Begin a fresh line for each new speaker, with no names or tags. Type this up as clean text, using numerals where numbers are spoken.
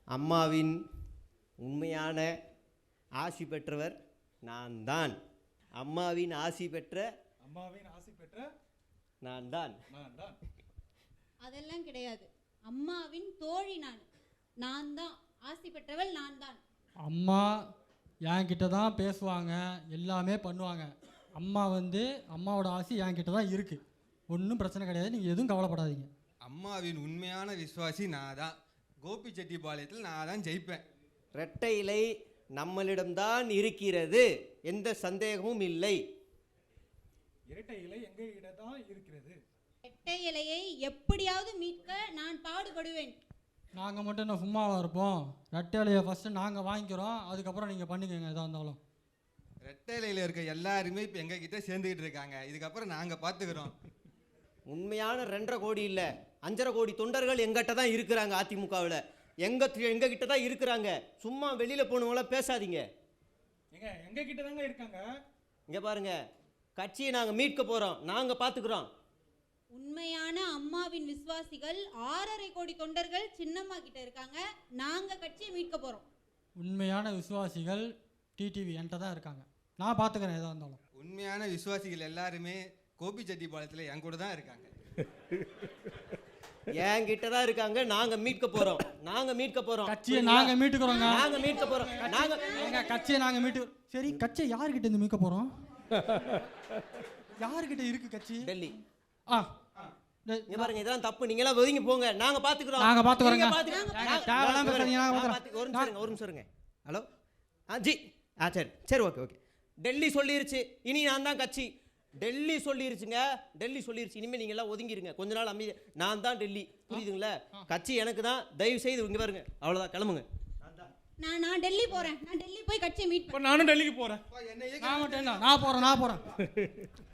அம்மாவின் உண்மையான ஆசி பெற்றவர் நான் தான். அம்மாவின் ஆசி பெற்ற நான் தான்.
அதெல்லாம் கிடையாது. அம்மாவின் தோழி நான் தான் ஆசி பெற்றவள் நான் தான்.
அம்மா என்கிட்ட தான் பேசுவாங்க, எல்லாமே பண்ணுவாங்க. அம்மாவோட ஆசி என்கிட்ட தான் இருக்குது. ஒன்றும் பிரச்சனை கிடையாது, நீங்கள் எதுவும் கவலைப்படாதீங்க.
அம்மாவின் உண்மையான விசுவாசி நான் தான். கோபிச்செட்டிப்பாளையத்தில் நான் தான் ஜெயிப்பேன்.
இரட்டை இலை நம்மளிடம்தான் இருக்கிறது, எந்த சந்தேகமும் இல்லை.
இரட்டை இலை எங்ககிட்ட தான் இருக்கிறது.
இரட்டை இலையை எப்படியாவது மீட்க நான் பாடுபடுவேன்.
நாங்கள் மட்டும் என்ன சும்மாவாக இருப்போம்? ரெட்டை இலையை ஃபஸ்ட்டு நாங்கள் வாங்கிக்கிறோம், அதுக்கப்புறம் நீங்கள் பண்ணிக்கோங்க எதாக இருந்தாலும்.
ரெட்டை இலையில் இருக்க எல்லாருமே இப்போ எங்ககிட்ட சேர்ந்துக்கிட்டு இருக்காங்க. இதுக்கப்புறம் நாங்கள் பார்த்துக்கிறோம்.
உண்மையான 2.5 கோடி இல்லை, 5.5 கோடி தொண்டர்கள் எங்கிட்ட தான் இருக்கிறாங்க. அதிமுகவில் எங்ககிட்ட தான் இருக்கிறாங்க. சும்மா வெளியில் போனவங்கள பேசாதீங்க.
எங்க கிட்ட தாங்க இருக்காங்க.
இங்கே பாருங்க, கட்சியை நாங்கள் மீட்க போகிறோம், நாங்கள் பார்த்துக்கிறோம்.
உண்மையான அம்மாவின் விசுவாசிகள் 6.5 கோடி தொண்டர்கள் சின்னம்மா கிட்ட இருக்காங்க. நாங்க கட்சியை மீட்க போறோம்.
உண்மையான விசுவாசிகள் டிடிவி என்கிட்ட தான் இருக்காங்க, நான் பார்த்துக்கிறேன் எதாக இருந்தாலும்.
உண்மையான விசுவாசிகள் எல்லாருமே கோபிச்செட்டிப்பாளையத்தில் என் கூட தான் இருக்காங்க.
என்கிட்ட தான் இருக்காங்க. நாங்கள் மீட்க போகிறோம்,
கட்சியை நாங்கள் மீட்டுக்கிறோங்க.
நாங்கள் மீட்க போகிறோம்.
கட்சியை நாங்கள் சரி, கட்சியை யாருக்கிட்ட இருந்து மீட்க போகிறோம்? யாருக்கிட்ட இருக்கு கட்சி?
டெல்லி.
இங்க
பாருங்க, இதெல்லாம் தப்பு. நீங்க எல்லாம் ஒதுங்கி போங்க, நாங்க பாத்துக்கிறோம். ஒரு நிமிஷம் இருங்க. ஹலோ ஜி, சரி ஓகே. டெல்லி சொல்லிருச்சு, இனி நான் தான் கட்சி. டெல்லி சொல்லிருச்சுங்க, இனிமேல் நீங்க எல்லாம் ஒதுங்கிருங்க கொஞ்ச நாள் அமைதி. நான் தான் டெல்லி, புரியுதுங்களா? கட்சி எனக்கு தான். தயவு செய்து இங்க பாருங்க, அவ்வளவுதான், கிளம்புங்க.
நான் டெல்லி போறேன். நான் டெல்லி போய் கட்சியை மீட்.
நானும் டெல்லிக்கு போறேன்.
நான் போறேன்.